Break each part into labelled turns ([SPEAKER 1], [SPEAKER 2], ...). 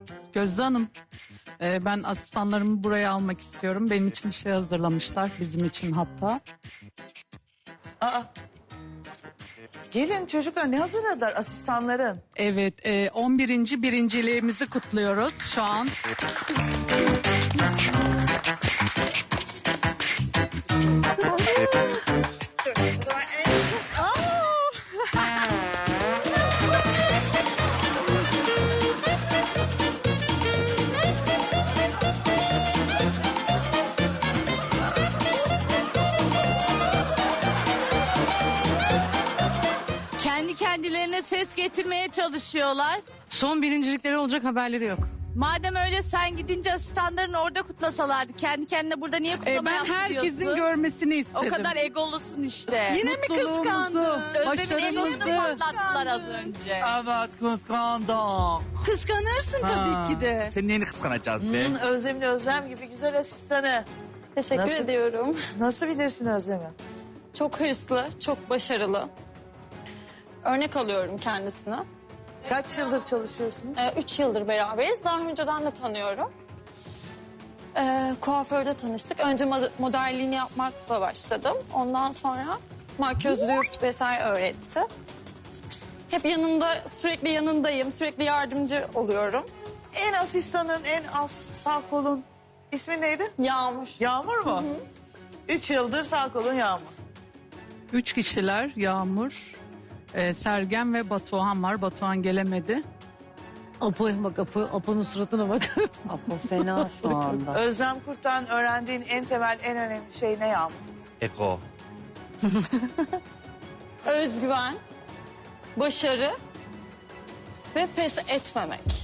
[SPEAKER 1] Gözde Hanım, ben asistanlarımı buraya almak istiyorum. Benim için bir şey hazırlamışlar, bizim için hatta.
[SPEAKER 2] Aa. Gelin çocuklar, ne hazırladılar asistanların?
[SPEAKER 1] Evet, 11. birinciliğimizi kutluyoruz şu an.
[SPEAKER 3] Kendi kendilerine ses getirmeye çalışıyorlar.
[SPEAKER 4] Son birincilikleri olacak haberleri yok.
[SPEAKER 3] Madem öyle sen gidince asistanların orada kutlasalardı. Kendi kendine burada niye kutlama
[SPEAKER 1] Ben
[SPEAKER 3] yaptırıyorsun?
[SPEAKER 1] herkesin görmesini
[SPEAKER 3] O
[SPEAKER 1] istedim.
[SPEAKER 3] kadar egolusun işte.
[SPEAKER 4] Yine mi kıskandın?
[SPEAKER 3] Özlem'in egosunu
[SPEAKER 1] başarımızı.
[SPEAKER 3] patlattılar az önce.
[SPEAKER 5] Evet kıskandım.
[SPEAKER 4] Kıskanırsın tabii ki de.
[SPEAKER 5] Senin neyini kıskanacağız be?
[SPEAKER 2] Özlem'in Özlem gibi güzel asistanı.
[SPEAKER 6] Teşekkür
[SPEAKER 2] Nasıl?
[SPEAKER 6] ediyorum.
[SPEAKER 2] Nasıl bilirsin Özlem'i?
[SPEAKER 6] Çok hırslı, çok başarılı. Örnek alıyorum kendisine.
[SPEAKER 2] Kaç yıldır çalışıyorsunuz?
[SPEAKER 6] 3 yıldır beraberiz. Daha önceden de tanıyorum. Kuaförde tanıştık. Önce modelliğini yapmakla başladım. Ondan sonra makyözlük vesaire öğretti. Hep yanında, sürekli yanındayım. Sürekli yardımcı oluyorum.
[SPEAKER 2] En asistanın en az sağ kolun ismi neydi?
[SPEAKER 6] Yağmur.
[SPEAKER 2] Yağmur mu? 3 yıldır sağ kolun Yağmur.
[SPEAKER 1] 3 kişiler, Yağmur, Sergen ve Batuhan var. Batuhan gelemedi.
[SPEAKER 4] Apo'ya bak Apo'nun suratına bak.
[SPEAKER 7] Apo fena şu anda.
[SPEAKER 2] Özlem Kurt'tan öğrendiğin en temel, en önemli şey ne Yağmur?
[SPEAKER 5] Eko.
[SPEAKER 6] Özgüven, başarı ve pes etmemek.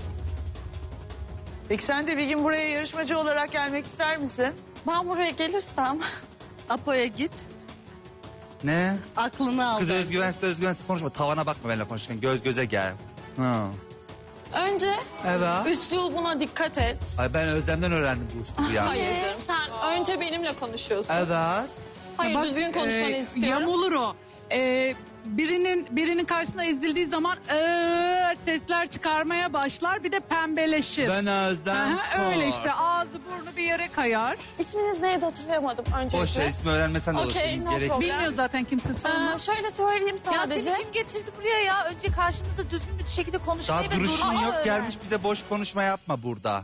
[SPEAKER 2] Peki sen de bir gün buraya yarışmacı olarak gelmek ister misin?
[SPEAKER 6] Ben buraya gelirsem
[SPEAKER 4] Apo'ya git.
[SPEAKER 5] Ne?
[SPEAKER 4] Aklını al.
[SPEAKER 5] Kız özgüvensiz konuşma. Tavana bakma benimle konuşurken. Göz göze gel. Ha.
[SPEAKER 6] önce
[SPEAKER 5] Evet.
[SPEAKER 6] üslubuna dikkat et.
[SPEAKER 5] Ay ben Özlem'den öğrendim bu üslubu ya.
[SPEAKER 6] Hayır canım, sen önce benimle konuşuyorsun.
[SPEAKER 5] Evet.
[SPEAKER 6] Hayır,
[SPEAKER 1] Bak,
[SPEAKER 6] düzgün konuşmanı istiyorum.
[SPEAKER 1] Yamulur o. Birinin karşısına ezildiği zaman sesler çıkarmaya başlar, bir de pembeleşir.
[SPEAKER 5] Ben Özlem.
[SPEAKER 1] Aha, öyle işte, ağzı burnu bir yere kayar.
[SPEAKER 6] İsminiz neydi hatırlayamadım öncelikle.
[SPEAKER 5] Boş ver, ismi öğrenmesen de olur.
[SPEAKER 6] Okey,
[SPEAKER 5] Senin
[SPEAKER 6] no
[SPEAKER 5] gerek-
[SPEAKER 6] problem.
[SPEAKER 1] Bilmiyor zaten kimse, sorma.
[SPEAKER 6] Şöyle söyleyeyim
[SPEAKER 3] Ya
[SPEAKER 6] sadece.
[SPEAKER 3] seni kim getirdi buraya ya? Önce karşımızda düzgün bir şekilde konuşmayı
[SPEAKER 5] Daha
[SPEAKER 3] ve
[SPEAKER 5] duruşun
[SPEAKER 3] durmayı
[SPEAKER 5] yok,
[SPEAKER 3] öğren.
[SPEAKER 5] gelmiş bize boş konuşma yapma burada.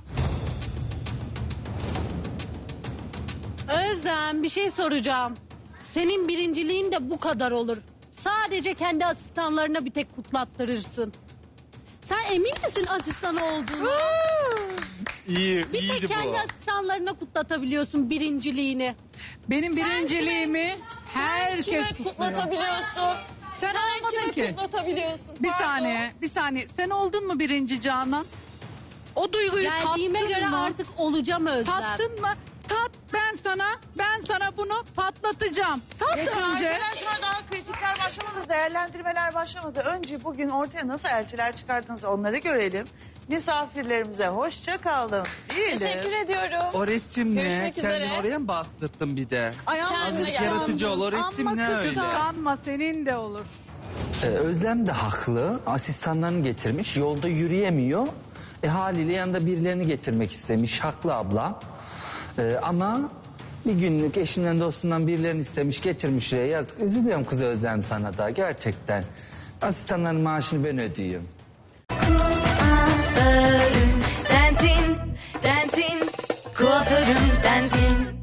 [SPEAKER 7] Özlem bir şey soracağım. Senin birinciliğin de bu kadar olur. Sadece kendi asistanlarına bir tek kutlattırırsın. Sen emin misin asistan olduğunu?
[SPEAKER 5] İyi,
[SPEAKER 7] Bir
[SPEAKER 5] iyiydi
[SPEAKER 7] tek kendi
[SPEAKER 5] bu.
[SPEAKER 7] asistanlarına kutlatabiliyorsun birinciliğini.
[SPEAKER 1] Benim birinciliğimi herkes
[SPEAKER 6] Kime
[SPEAKER 1] kutluyor.
[SPEAKER 6] kutlatabiliyorsun?
[SPEAKER 1] Sen olmadın
[SPEAKER 6] Kime
[SPEAKER 1] ki.
[SPEAKER 6] kutlatabiliyorsun?
[SPEAKER 1] Bir
[SPEAKER 6] Pardon.
[SPEAKER 1] saniye, bir saniye. Sen oldun mu birinci Canan? O duyguyu
[SPEAKER 7] Geldiğime
[SPEAKER 1] tattın
[SPEAKER 7] göre
[SPEAKER 1] mı?
[SPEAKER 7] artık olacağım Özlem.
[SPEAKER 1] Tattın mı? Tat, ben sana bunu patlatacağım. Tat önce.
[SPEAKER 2] Arkadaşlar daha kritikler başlamadı, değerlendirmeler başlamadı. Önce bugün ortaya nasıl elçiler çıkardınız onları görelim. Misafirlerimize hoşça kalın diyelim.
[SPEAKER 6] Teşekkür ediyorum.
[SPEAKER 5] O resim ne?
[SPEAKER 6] Görüşmek üzere.
[SPEAKER 5] Kendini oraya mı bastırttın bir de?
[SPEAKER 6] Kendine
[SPEAKER 5] Azıcık
[SPEAKER 6] gel.
[SPEAKER 5] yaratıcı ol. O resim ne öyle?
[SPEAKER 1] Kıskanma, senin de olur.
[SPEAKER 8] Özlem de haklı. Asistanlarını getirmiş. Yolda yürüyemiyor. Haliyle yanında birilerini getirmek istemiş. Haklı abla. Ama bir günlük eşinden dostundan birilerini istemiş. Getirmiş şuraya. Yazık. Üzülüyorum kız Özlem sana da. Gerçekten. Asistanların maaşını ben ödüyorum.
[SPEAKER 9] Sensin, sensin, kuaförüm sensin.